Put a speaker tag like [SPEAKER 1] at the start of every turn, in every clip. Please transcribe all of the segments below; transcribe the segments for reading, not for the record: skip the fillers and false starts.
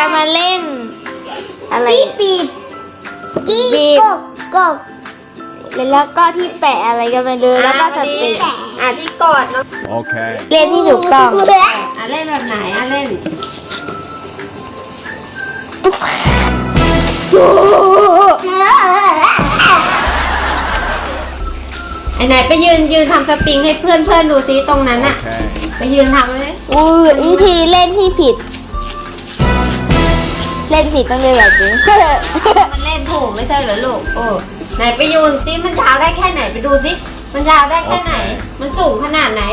[SPEAKER 1] มาเล่นอะไร
[SPEAKER 2] ปีบกบ
[SPEAKER 1] แล้วก็ที่แปะอะไรกันมาดูแล้วก็สติก
[SPEAKER 3] ที่กดเนาะ
[SPEAKER 4] โอเค
[SPEAKER 1] เล่นที่ถูกต้อง
[SPEAKER 3] เล่นแบบไหนเล่นไหนไปยืนทำสปริงให้เพื่อนดูซิตรงนั้นอะไปยืนทำเลย
[SPEAKER 1] วิธีเล่นที่ผิด เล่นผิดต้องเล่นแบบนี้
[SPEAKER 3] มันเล่นถูกไม่ใช่เหรอลูกไหนไปยืนซิมันยาวได้แค่ไหนไปดูซิมันยาวได้แค่ไหนมันสูงขนาดไหน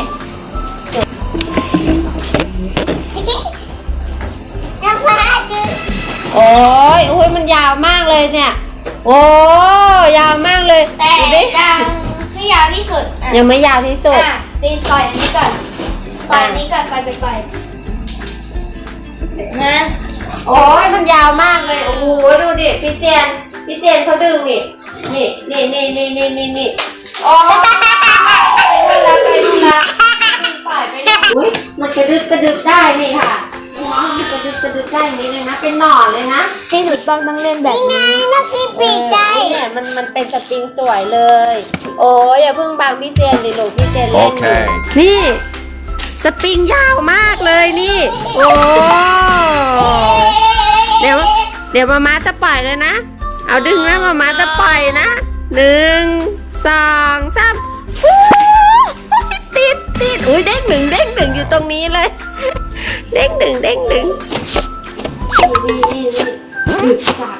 [SPEAKER 3] โอ้ยมันยาวมากเลยเนี่ยโอ้ยาวมากเลย
[SPEAKER 1] แต่ยังไม่ยาวที่สุด
[SPEAKER 3] ยังไม่ยาวที่สุด
[SPEAKER 1] ตีปล่อยอันนี้ก่อนปล่อยอันนี้ก่อนปล่อยนะ
[SPEAKER 3] โอ้ยมันยาวมากเลยโอ้โหดูดิพี่เตียนเขาดึงนี่โอ้ยไปดูละปล่อยไปอุ้ยมันกระดึบได้นี่ค่ะมันกระดึบได้นี่เลยนะเป็นหน่อเลยนะ
[SPEAKER 1] ที่ถูกต้องต้องเล่นแบบนี้
[SPEAKER 2] นักปีกใจ
[SPEAKER 3] เนี่ยมันเป็นสปริงสวยเลยโอ้ยอย่าเพิ่งบังพี่เตียนดิลูกพี่เตียนเล่นนี่สปริงยาวมากเลยนี่โอ้เดี๋ยวมาจะปล่อยเลยนะเอาดึงนะมาจะปล่อยนะ1 2 3ติดอุ้ยเด้งหนึ่งอยู่ตรงนี้เลยเด้งหนึ่งนี่ดึกจัก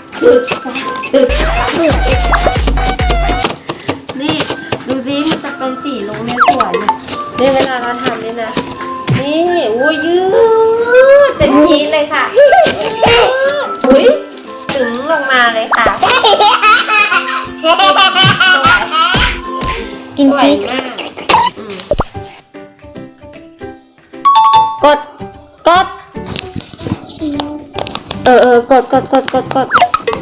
[SPEAKER 3] นี่ดูสิมันจะเป็นสีลงในสวนเนี่ยเวลาเราทำเนี่ยนะนี่อุ้ยยืดเต็มทีเลยค่ะอุ้ยถึงลงมาเลยค่ะ
[SPEAKER 1] กินชีส
[SPEAKER 3] กดกด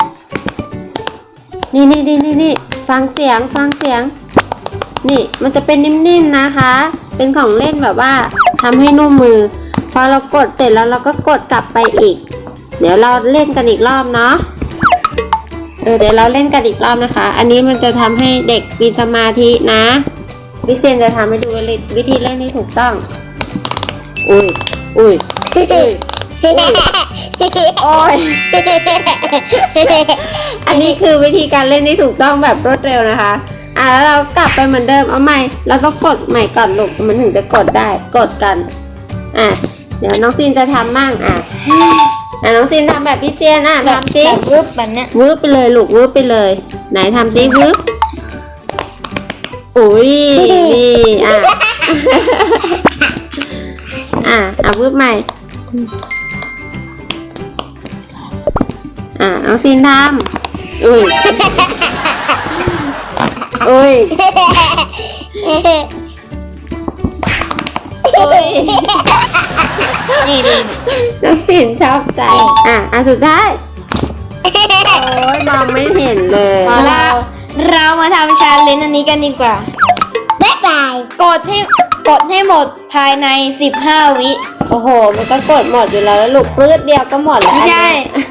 [SPEAKER 3] นี่ฟังเสียงนี่มันจะเป็นนิ่มๆนะคะเป็นของเล่นแบบว่าทำให้นุ่มมือพอเรากดเสร็จแล้วเราก็กดกลับไปอีกเดี๋ยวเราเล่นกันอีกรอบเนาะเดี๋ยวเราเล่นกันอีกรอบนะคะอันนี้มันจะทำให้เด็กมีสมาธินะวิเซนจะทำให้ดูวิธีเล่นที่ถูกต้องอุ้ยโอ้ยอันนี้คือวิธีการเล่นที่ถูกต้องแบบรวดเร็วนะคะแล้วเรากลับไปเหมือนเดิมเอาใหม่เราต้องกดใหม่ก่อนลูกมันถึงจะกดได้กดกันเดี๋ยวน้องซีนจะทำมั่งน้องซีนทำแบบพี่เซียนทำซิ
[SPEAKER 1] วืบแบบเนี้ยว
[SPEAKER 3] ืบไปเลยลูกวืบไปเลยไหนทำซิวืบอุ้ยนี่วืบใหม่น้องซีนทำอุ้ย
[SPEAKER 1] นี่
[SPEAKER 3] น้องซีนชอบใจสุดท้ายโอ้ยมองไม่เห็นเลย
[SPEAKER 1] เรามาทำชาเลนจ์อันนี้กันดีกว่า
[SPEAKER 2] บ๊ายบาย
[SPEAKER 1] กดให้หมดภายใน15 วิ
[SPEAKER 3] โอ้โหมันก็กดหมดอยู่แล้วลูกปลื้ดเดียวก็หมดแล้ว
[SPEAKER 1] ไม่ใช่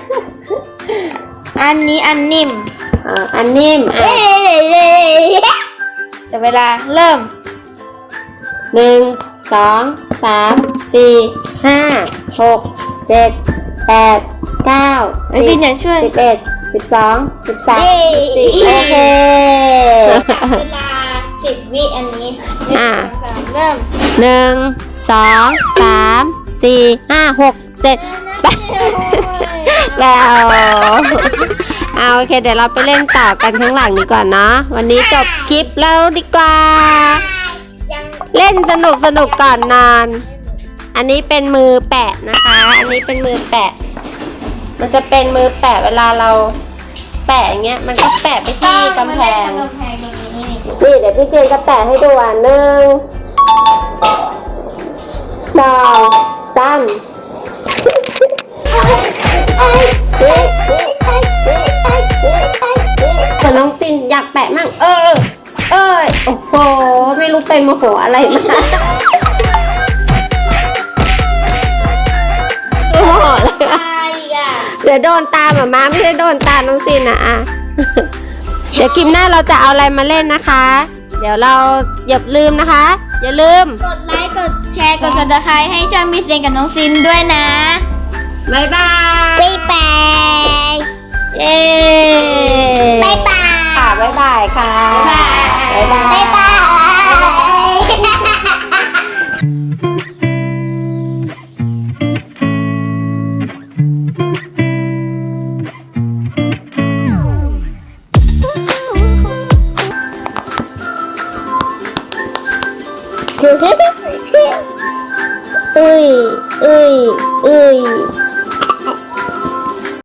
[SPEAKER 1] อันนี้อันนิ่ม
[SPEAKER 3] อันนิ่ม
[SPEAKER 1] จะเวลาเริ่ม
[SPEAKER 3] 1 2 3 4 5 6 7 8 9
[SPEAKER 1] 10พี่เนี่ยช่วย
[SPEAKER 3] 11 12 13 14โอเค
[SPEAKER 1] เวลา10 วิอันนี้เริ่ม
[SPEAKER 3] 1 2 3 4 5 6 7 8แล้วโอเคเดี๋ยวเราไปเล่นต่อกันข้างหลังดีกว่าเนาะวันนี้จบคลิปแล้วดีกว่าเล่นสนุกก่อนนอนอันนี้เป็นมือแปะนะคะอันนี้เป็นมือแปะมันจะเป็นมือแปะเวลาเราแปะอย่างเงี้ยมันก็แปะไปที่กำแพงนี่เดี๋ยวพี่เจนจะแปะให้ดู1 2 3แต่น้องซินอยากแปะมั่งโอ้โหไม่รู้ไปโมโหอะไรมาโมโหอะไรเดี๋ยวโดนตาหมาไม่ได้โดนตาน้องซินนะอ่ะ เดี๋ยวคลิปหน้าเราจะเอาอะไรมาเล่นนะคะ เดี๋ยวเราอย่าลืมนะคะ อย่าลืม
[SPEAKER 1] กดไลค์กดแชร์กด subscribe ให้ช่องพี่เซนกับน้องซินด้วยนะ
[SPEAKER 3] บ๊ายบาย
[SPEAKER 2] บ๊ายบาย
[SPEAKER 3] เย้
[SPEAKER 2] บ๊ายบาย
[SPEAKER 3] ค่ะบ๊ายบายค่ะ บ๊ายบาย
[SPEAKER 2] บ๊ายบายอุ้ยอุ้ยอุ้ย